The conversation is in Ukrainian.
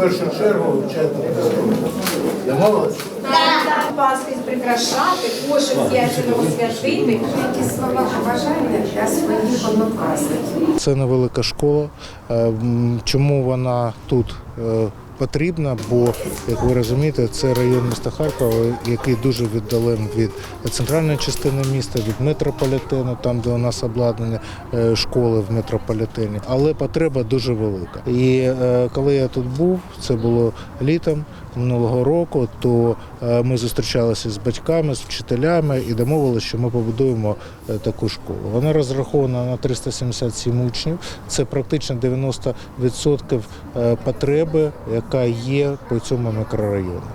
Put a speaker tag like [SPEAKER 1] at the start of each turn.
[SPEAKER 1] першу чергу вчати. Домовились?
[SPEAKER 2] Пасхи прикрашати, кошик ясеного святити.
[SPEAKER 3] Які слова побажання для своїх однокласників?
[SPEAKER 4] Це невелика школа. Чому вона тут потрібна? Бо, як ви розумієте, це район міста Харкова, який дуже віддалений від центральної частини міста, від метрополітену, там, де у нас обладнання школи в метрополітені. Але потреба дуже велика. І коли я тут був, це було літом минулого року, то ми зустрічалися з батьками, з вчителями і домовилися, що ми побудуємо таку школу. Вона розрахована на 377 учнів. Це практично 90% потреби, яка є по цьому мікрорайону.